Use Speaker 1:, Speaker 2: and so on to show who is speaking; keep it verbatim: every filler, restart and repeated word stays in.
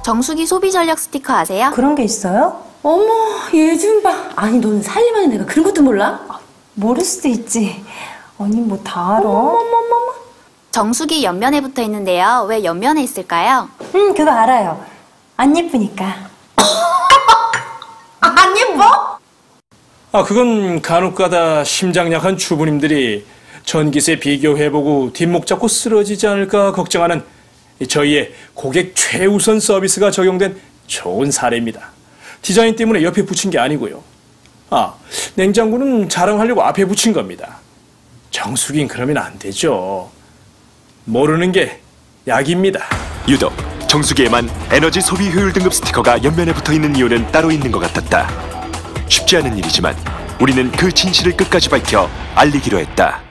Speaker 1: 정수기 소비 전략 스티커 아세요?
Speaker 2: 그런 게 있어요?
Speaker 3: 어머, 얘 좀 봐. 아니, 너는 살림하는 애가 그런 것도 몰라?
Speaker 2: 아, 모를 수도 있지. 언니 뭐 다 알아?
Speaker 3: 어머머머머.
Speaker 1: 정수기 옆면에 붙어 있는데요. 왜 옆면에 있을까요?
Speaker 2: 응, 그거 알아요. 안 예쁘니까.
Speaker 3: 안 예뻐?
Speaker 4: 아, 그건 간혹가다 심장 약한 주부님들이 전기세 비교해보고 뒷목 잡고 쓰러지지 않을까 걱정하는 저희의 고객 최우선 서비스가 적용된 좋은 사례입니다. 디자인 때문에 옆에 붙인 게 아니고요. 아, 냉장고는 자랑하려고 앞에 붙인 겁니다. 정수기는 그러면 안 되죠. 모르는 게 약입니다.
Speaker 5: 유독 정수기에만 에너지 소비 효율 등급 스티커가 옆면에 붙어있는 이유는 따로 있는 것 같았다. 쉽지 않은 일이지만 우리는 그 진실을 끝까지 밝혀 알리기로 했다.